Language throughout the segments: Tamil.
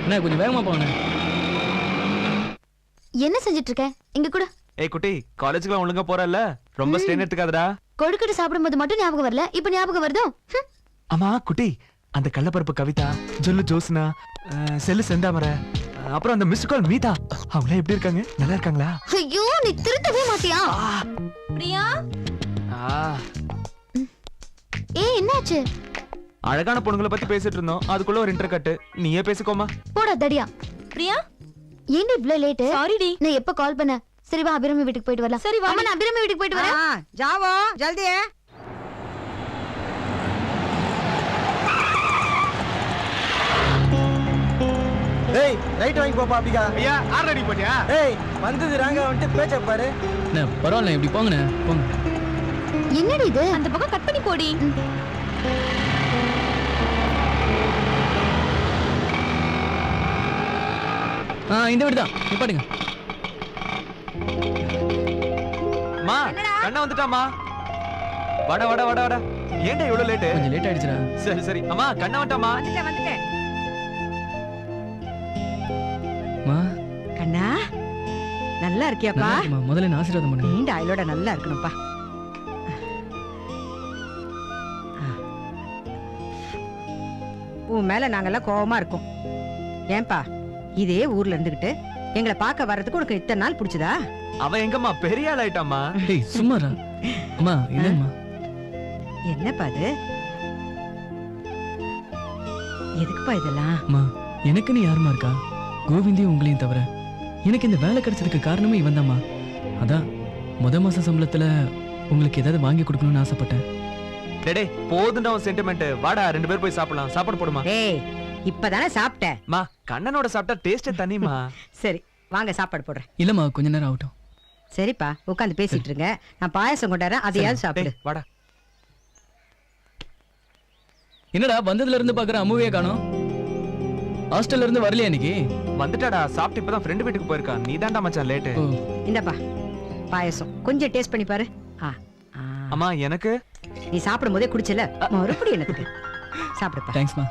என்ன கொஞ்சம் வேகமா போங்க. என்ன செஞ்சிட்டு இருக்க? இங்க கூட. ஏய் குட்டி, காலேஜ்க்குலாம் ஒழுங்கா போறல்ல? ரொம்ப ஸ்ட்ரெயின் எடுத்துக்காதடா. கொழுக்கட்டை சாப்பிடும்போது மட்டும் ஞாபகம் வரல, இப்ப ஞாபகம் வருதோ? அம்மா குட்டி, அந்த கள்ளப்பருப்பு கவிதா, ஜொல்லு ஜோஸ்னா, செல்லு செந்தாமரை, அப்புறம் அந்த மிஸ் கால் மீதா, அவங்களே எப்படி இருக்காங்க? நல்லா இருக்காங்களா? ஐயோ, நீ திருத்தவே மாட்டியா? பிரியா, ஏய் என்னாச்சு? அழகான பொண்ணுங்களை பத்தி பேசிட்டு இருந்தோம், அதுக்குள்ள ஒரு இன்டர் கட். நீயே பேசிக்கோமா. போடா தடியா. பிரியா, ஏன் இவ்ளோ லேட்? Sorry D. நான் எப்ப கால் பண்ண? சரி வா, அபிராமி வீட்டுக்கு போயிட்டு வரலாம். சரி வா. அம்மா, நான் அபிராமி வீட்டுக்கு போயிட்டு வரேன். जाओ जल्दी है. ஏய் ரைட் வாங்கி போப்பா அப்படிக்கா. ஐயா ஆல்ரெடி போடியா? ஏய் வந்தது ராங்க வந்துட்டு பேச்ச பாரு. என்ன பரவாயில்ல, இப்படி போங்கண்ணே போங்க. என்னடி இது? அந்த பக்கம் கட் பண்ணி போடி. இந்த வீடு தான், நிப்பாட்டுங்க. மா கண்ணா வந்துட்டாமா. வாடா வாடா வாடா வாடா. ஏன்டா இவ்வளவு லேட்? கொஞ்சம் லேட் ஆயிடுச்சுடா. சரி சரி. அம்மா கண்ணா வந்துட்டாமா. வந்துட்டேன். மா கண்ணா நல்லா இருக்கியாப்பா? முதல்ல என்ன ஆசீர்வாதம் பண்ணுங்க. நீண்ட ஆயுளோட நல்லா இருக்கணும்ப்பா. உன் மேல நாங்கெல்லாம் கோவமா இருக்கோம். ஏன்பா இதே ஊர்ல இருந்துகிட்டு எங்களை பார்க்க வர்றதுக்கு உனக்கு இத்தனை நாள் பிடிச்சதா? அவ எங்கம்மா பெரிய ஆள் ஆயிட்டாமா. டேய் சும்மாடா. அம்மா இல்லம்மா. என்னப்பா இது? எதுக்குப்பா இதெல்லாம்? அம்மா எனக்கு நீ யாருமா இருக்கா? கோவிந்தையும் உங்களையும் தவிர எனக்கு இந்த வேலை கிடைச்சதுக்கு காரணமே இவன் தான்மா. அதான் மாச சம்பளத்துல உங்களுக்கு ஏதாவது வாங்கி கொடுக்கணும்னு ஆசைப்பட்டேன். டேய் போதுண்டா உன் சென்டிமெண்ட். வாடா ரெண்டு பேர் போய் சாப்பிடலாம். சாப்பாடு போடுமா. ஏய் இப்பதானே சாப்பிட்டேன். மா கண்ணனோட சாப்பிட்டா டேஸ்டே தனிமா. சரி வாங்க சாப்பாடு போடுறேன். இல்லம்மா கொஞ்ச நேரம் ஆகட்டும். சரிப்பா உட்காந்து பேசிட்டு இருங்க, நான் பாயாசம் கொண்டாறேன், அதையாவது சாப்பிடு. வாடா. என்னடா வந்ததுல இருந்து பாக்குற அம்முவே காணோம். ஹாஸ்டல்ல இருந்து வரலையா இன்னைக்கு? வந்துட்டாடா, சாப்பிட்டு இப்பதான் ஃப்ரெண்ட் வீட்டுக்கு போயிருக்கா. நீ தான்டா மச்சான் லேட். இந்தப்பா பாயாசம் கொஞ்சம் டேஸ்ட் பண்ணி பாரு. அம்மா எனக்கு நீ சாப்பிடும் போதே குடிச்சல, மறுபடியும் எனக்கு சாப்பிடுப்பா. தேங்க்ஸ்மா.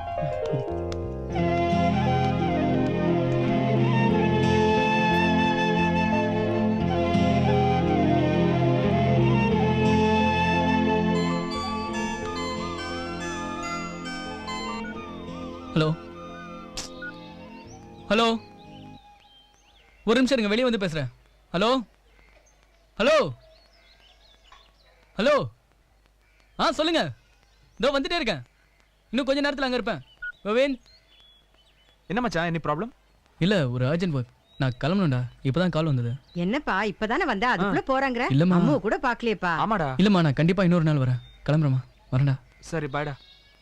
ஹலோ ஹலோ, ஒரு நிமிஷம் இருங்க, வெளியே வந்து பேசுறேன். Hello hello hello. சொல்லுங்க. இதோ வந்துட்டே இருக்கேன், இன்னும் கொஞ்ச நேரத்தில் அங்கே இருப்பேன். கோவிந்த். என்ன மச்சான், என்ன ப்ராப்ளம்? இல்லை ஒரு அர்ஜென்ட் ஒர்க், நான் கிளம்பணும்டா. இப்போதான் கால் வந்தது. என்னப்பா இப்பதானே வந்தா அதுக்குள்ள போறாங்க? இல்லம்மா. அம்மா கூட பாக்கலையேப்பா. ஆமாடா. இல்லம்மா நான் கண்டிப்பா இன்னொரு நாள் வரேன். கிளம்புறேம்மா, வரேன்டா. சரி பாய்டா.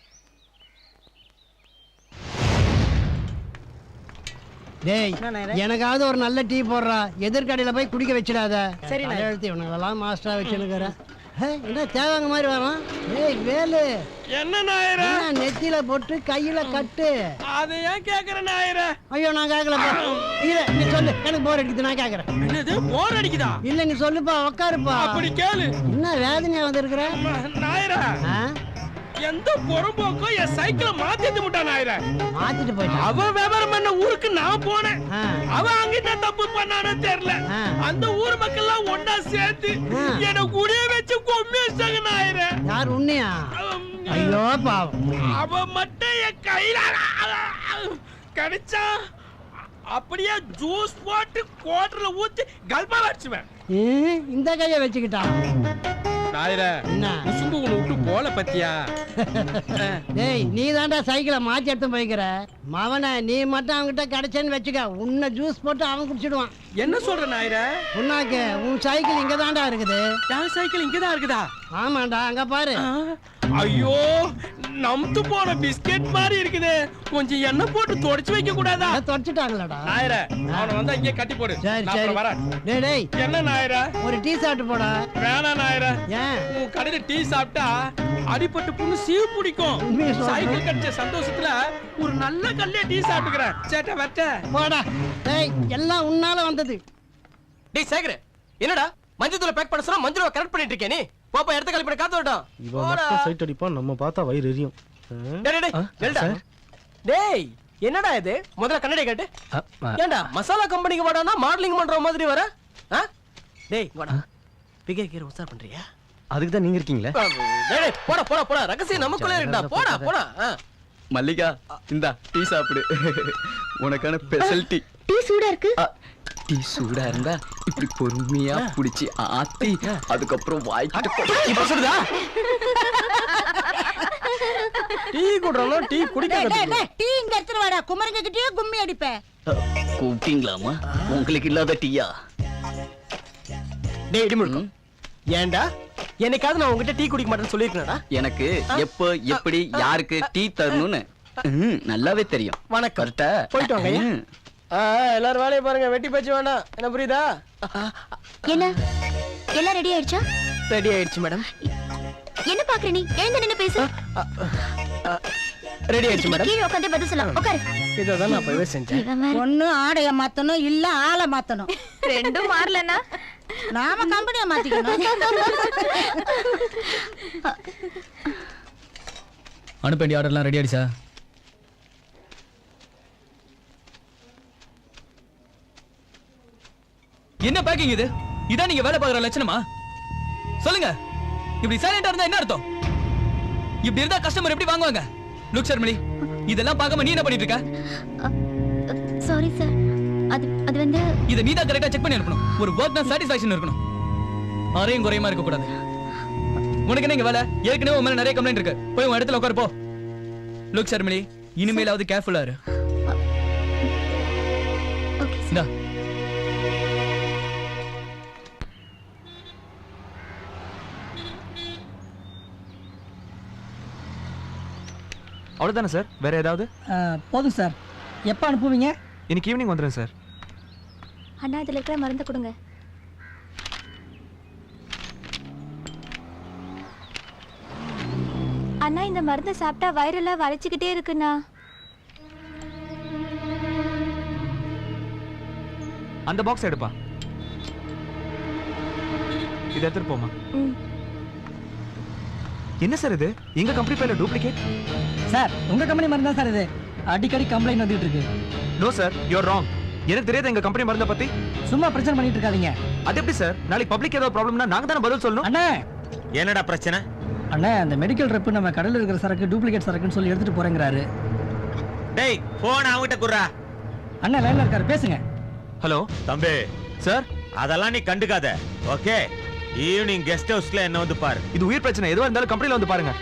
டேய் எனக்காவது ஒரு நல்ல டீ போடுறா. எதிர்கடையில போய் குடிக்க வச்சிடாத. சரி எழுத்து இவனுங்களெல்லாம் மாஸ்டரா வச்சுனுக்குற. என்ன தேவாங்க மாதிரி வரான். ஏய் வேலு, என்ன நாயரா? நெத்தியில போட்டு கையில கட்டு. அதை ஏன் கேக்குற நாயரா? ஐயோ நான் கேட்கலப்பா. இல்ல நீ சொல்லு, எனக்கு போர் அடிக்குது, நான் கேட்கறேன். என்னது போர் அடிக்குதா? இல்ல நீ சொல்லுப்பா, உட்காருப்பா. அப்படி கேளு. என்ன வேதனையா வந்திருக்கிற நாயரா? எந்த பொறும்போக்கும் என் சைக்கிளை மாத்திட்டு முட்டான் நாயரா. மாத்திட்டு போயிட்டான். அவ விவரம் பண்ண ஊருக்கு நான் போனேன். அவ அங்கிட்ட தப்பு பண்ணானே தெரியல. அந்த ஊர் மக்கள் எல்லாம் ஒன்னா சேர்த்து என்ன குடிய வச்சு கொம்மிச்சாங்க நாயரா. யார் உன்னையா? ஐயோ பாவம். அவ மட்டும் என் கையில கிடைச்சா அப்படியே ஜூஸ் போட்டு கோட்டர்ல ஊத்தி கல்பா வச்சுவேன். இந்த கைய வச்சுக்கிட்டான் நாயரா. என்ன உசும்பு உன்னை விட்டு போல பத்தியா? டேய் நீ தாண்டா சைக்கிளை மாத்தி எடுத்து போய்க்கிற. மவனை நீ மட்டும் அவன்கிட்ட கிடைச்சேன்னு வச்சுக்க, உன்னை ஜூஸ் போட்டு அவன் குடிச்சிடுவான். என்ன சொல்ற நாயரா? உன்னாக்கு உன் சைக்கிள் இங்க தாண்டா இருக்குது. என் சைக்கிள் இங்கதான் இருக்குதா? ஆமாண்டா, அங்க பாரு. ஐயோ நம்து போன பிஸ்கெட் மாதிரி இருக்குது. கொஞ்சம் எண்ணெய் போட்டு தொடச்சு வைக்க கூடாதா? தொடச்சிட்டாங்களடா. நாயரா அவனை வந்து இங்கே கட்டி போடு. சரி சரி வரேன். டேய் டேய் என்ன நாயரா? ஒரு டீ சாப்பிட்டு போடா. வேணாம் நாயரா. ஏன்? உன் கடையில டீ சாப்பிட்டா அடிபட்டு புண்ணு சீவு பிடிக்கும். சைக்கிள் கிடைச்ச சந்தோஷத்துல ஒரு நல்ல கல்லே டீ சாப்பிட்டுக்கிறேன். சேட்ட வட்ட போடா. டேய் எல்லாம் உன்னால வந்தது. டேய் சேகர், என்னடா மஞ்சள் தூளை பேக் பண்ண சொன்னா மஞ்சள் கரெக்ட் பண்ணிட்டு இருக்கே நீ? பாப்பா எடுத்து கழிப்பட காத்து வரட்டும். இவன் மட்டும் சைட் அடிப்பான், நம்ம பார்த்தா வயிறு எரியும். டேய் டேய் டேய். டேய் என்னடா இது முதல்ல கண்ணாடி காட்டு ஏண்டா மசாலா கம்பெனிக்கு வாடானா மாடலிங் பண்ற மாதிரி வர டேய் வாடா பிகே கீர உசார் பண்றியா அதுக்கு தான் நீங்க இருக்கீங்களே டேய் போடா போடா போடா ரகசியம் நமக்குள்ளே இருக்குடா போடா போடா மல்லிகா இந்தா டீ சாப்பிடு உனக்கான ஸ்பெஷல் டீ டீ சூடா இருக்கு டீ சூடா இருந்தா இப்படி பொறுமையா புடிச்சு ஆத்தி அதுக்கப்புறம் வாய்க்கிட்டு இப்ப சொல்லுதா டீ குடுறோம் டீ குடிக்காத டீ இங்க எடுத்துட்டு வாடா குமரங்க கிட்டயே கும்மி அடிப்பேன் கூப்பிட்டீங்களாமா உங்களுக்கு இல்லாத டீயா டேய் இடி முழுக்கம் ஏண்டா என்னைக்காவது நான் உங்ககிட்ட டீ குடிக்க மாட்டேன்னு சொல்லியிருக்கேன்டா எனக்கு எப்போ எப்படி யாருக்கு டீ தரணும்னு நல்லாவே தெரியும் வணக்கம் கரெக்டா போயிட்டு வாங்க எல்லாரும் வேலையை பாருங்க வெட்டி பேச்சு வேண்டாம் என்ன புரியுதா என்ன எல்லாம் ரெடி ஆயிடுச்சா ரெடி ஆயிடுச்சு மேடம் என்ன பாக்குற நீ எழுந்து நின்னு பேசு ரெடி ஆயிடுச்சு மேடம் கீழே உட்கார்ந்து பதில் சொல்லலாம் உட்காரு இதான் நான் போய் செஞ்சேன் இவன் வேற. ஒண்ணு ஆடைய மாத்தணும் இல்ல ஆளை மாத்தணும் ரெண்டும் மாறலனா நாம கம்பெனியை மாத்திக்கணும் அனுப்ப வேண்டிய ஆர்டர்லாம் ரெடி ஆயிடுச்சா என்ன பேக்கிங் இது இதான் நீங்க வேலை பார்க்குற லட்சணமா சொல்லுங்க இப்படி சைலண்டா இருந்தா என்ன அர்த்தம் இப்படி இருந்தா கஸ்டமர் எப்படி வாங்குவாங்க லுக் ஷர்மிளி இதெல்லாம் பார்க்காம நீ என்ன பண்ணிட்டு இருக்க சாரி சார் அது வந்து இத நீ தான் கரெக்ட்டா செக் பண்ணி அனுப்பணும் ஒரு வர்க்னா சாட்டிஸ்ஃபேக்ஷன் இருக்கணும் அரையும் குறையுமா இருக்க கூடாது உனக்கு என்ன இங்க வேலை ஏற்கனவே உன் மேல நிறைய கம்ப்ளைண்ட் இருக்கு போய் உன் இடத்துல உட்காரு போ லுக் ஷர்மிளி இனிமேலாவது கேர்ஃபுல்லா இரு ஓகே இந்தா அவ்வளவுதானே சார் வேற ஏதாவது போதும் சார் எப்போ அனுப்புவீங்க இன்னைக்கு ஈவினிங் வந்துடுறேன் சார் அண்ணா இதுல இருக்கிற மருந்து கொடுங்க அண்ணா இந்த மருந்து சாப்பிட்டா வயிறெல்லாம் வலிச்சுக்கிட்டே இருக்குண்ணா அந்த பாக்ஸ் எடுப்பா இதை எடுத்துட்டு போமா என்ன சார் இது எங்க கம்பெனி பேர்ல டூப்ளிகேட் சார் உங்க கம்பெனி மருந்து தான் சார் இது அடிக்கடி கம்ப்ளைண்ட் வந்துட்டு இருக்கு நோ சார் யூஆர் ராங் எனக்கு தெரியாது எங்க கம்பெனி மருந்த பத்தி சும்மா பிரச்சனை பண்ணிட்டு இருக்காதீங்க அது எப்படி சார் நாளைக்கு பப்ளிக் ஏதாவது ப்ராப்ளம்னா நாங்க தானே பதில் சொல்லணும் அண்ணா என்னடா பிரச்சனை அண்ணா அந்த மெடிக்கல் ரெப் நம்ம கடையில் இருக்கிற சரக்கு டூப்ளிகேட் சரக்குன்னு சொல்லி எடுத்துட்டு போறேங்கிறாரு டேய் போன் அவங்கிட்ட குடுறா அண்ணா லைன்ல இருக்காரு பேசுங்க ஹலோ தம்பி சார் அதெல்லாம் நீ கண்டுக்காத ஓகே ஈவினிங் கெஸ்ட் ஹவுஸ்ல என்ன வந்து பாரு இது உயிர் பிரச்சனை எதுவா இருந்தாலும் கம்பெனில வந்து பாருங்க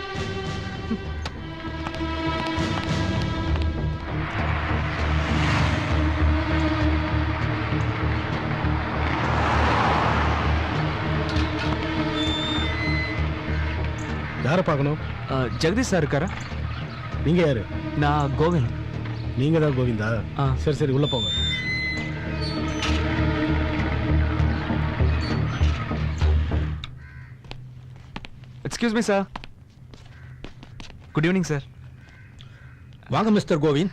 யாரை பார்க்கணும் ஜெகதீஷ் சார் இருக்காரா நீங்க யாரு நான் கோவிந்த் நீங்க தான் கோவிந்தா சரி சரி உள்ள போங்க excuse me sir good evening sir வாங்க மிஸ்டர் கோவிந்த்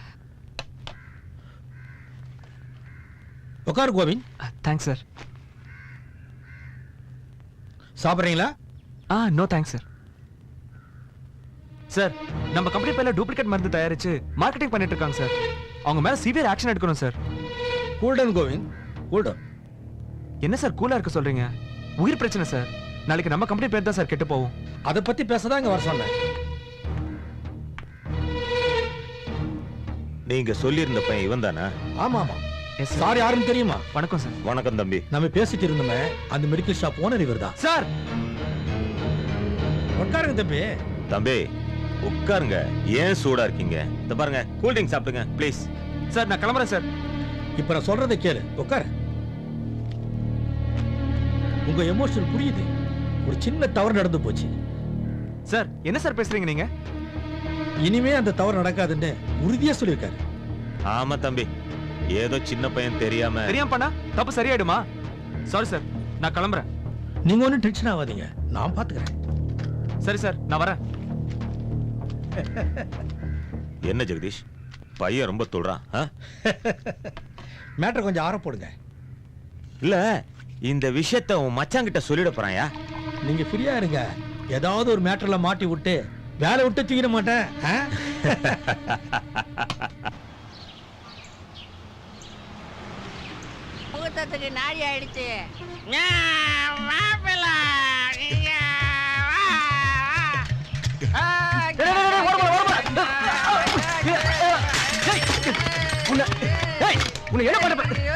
உட்காரு கோவிந்த் தேங்க்ஸ் சார் சாப்பிட்றீங்களா நோ தேங்க்ஸ் சார் சார் நம்ம கம்பெனி பேர்ல டூப்ளிகேட் மருந்து தயாரிச்சு மார்க்கெட்டிங் பண்ணிட்டு இருக்காங்க சார் அவங்க மேல சிவியர் ஆக்ஷன் எடுக்கணும் சார் கூல்டன் கோவிந்த் கூல்டன் என்ன சார் கூலா இருக்க சொல்றீங்க உயிர் பிரச்சனை சார் நாளைக்கு நம்ம கம்பெனி பேர் தான் சார் கெட்டு போவோம் அதை பத்தி பேசதான் இங்க வர சொன்னேன் நீங்க சொல்லியிருந்த பையன் இவன் தானே ஆமா ஆமா எஸ் சார் சார் யாருன்னு தெரியுமா வணக்கம் சார் வணக்கம் தம்பி நம்ம பேசிட்டு இருந்தோமே அந்த மெடிக்கல் ஷாப் ஓனர் இவர் தான் சார் உட்காருங்க தம்பி தம்பி உட்காருங்க ஏன் சூடா இருக்கீங்க இந்த பாருங்க கூல் ட்ரிங்க் சாப்பிடுங்க ப்ளீஸ் சார் நான் கிளம்புறேன் சார் இப்ப நான் சொல்றதை கேளு உட்காரு உங்க எமோஷன் புரியுது ஒரு சின்ன தவறு நடந்து போச்சு சார் என்ன சார் பேசுறீங்க நீங்க இனிமே அந்த தவறு நடக்காதுன்னு உறுதியா சொல்லியிருக்காரு ஆமா தம்பி ஏதோ சின்ன பையன் தெரியாம பண்ணா தப்பு சரியாயிடுமா சாரி சார் நான் கிளம்புறேன் நீங்க ஒன்றும் டென்ஷன் ஆகாதீங்க நான் பாத்துக்கிறேன் சரி சார் நான் வரேன் என்ன ஜெகதீஷ் பையன் ரொம்ப தொடுறான் மேட்டர் கொஞ்சம் ஆற போடுங்க இல்ல இந்த விஷயத்தை உன் மச்சாங்கிட்ட சொல்லிட போறாயா நீங்க ஃப்ரீயா இருங்க ஏதாவது ஒரு மேட்டர்ல மாட்டி விட்டு வேலை விட்டு தூக்கிட மாட்டேன் ரத்தத்துக்கு நாடி ஆயிடுச்சு உன்னை என்ன பண்ண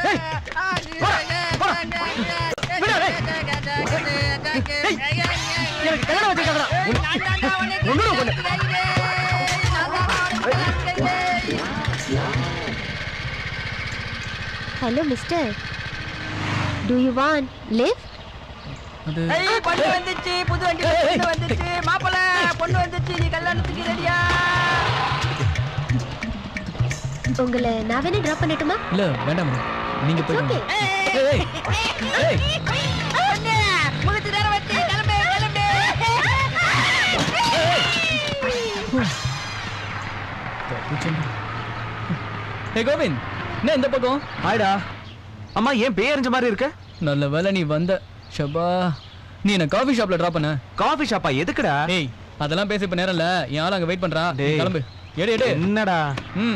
எனக்கு கல்யாணம் வச்சிருக்காங்கடா hello mister do you want lift அது பொண்ணு வந்துச்சு புது வண்டி பொண்ணு வந்துச்சு மாப்பிள்ள பொண்ணு வந்துச்சு நீ கல்யாணத்துக்கு ரெடியா உங்களை நான் வேணா டிராப் பண்ணட்டுமா இல்ல வேண்டாம் மேடம் நீங்க போயிட்டு வாங்க. ஏய், ஏய், ஏய். முகத்து நேரம் வச்சு கிளம்பு கிளம்பு ஏய் கோவிந்த் என்ன இந்த பக்கம் ஆயிடா அம்மா ஏன் பேரஞ்ச மாதிரி இருக்க நல்ல வேளை நீ வந்த ஷபா நீ என்ன காஃபி ஷாப்ல டிராப் பண்ண காஃபி ஷாப்பா எதுக்குடா ஏய் அதெல்லாம் பேச இப்ப நேரம் இல்ல என் ஆள் அங்க வெயிட் பண்றா டேய். கிளம்பு எடு எடு என்னடா ம்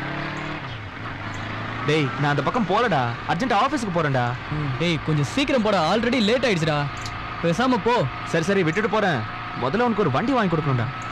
டேய் நான் அந்த பக்கம் போலடா அர்ஜென்ட் ஆபீஸ்க்கு போறேன்டா டேய் கொஞ்சம் சீக்கிரம் போடா ஆல்ரெடி லேட் ஆயிடுச்சுடா பேசாம போ சரி சரி விட்டுட்டு போறேன் முதல்ல உனக்கு ஒரு வண்டி வாங்கி கொடுக்கணும்டா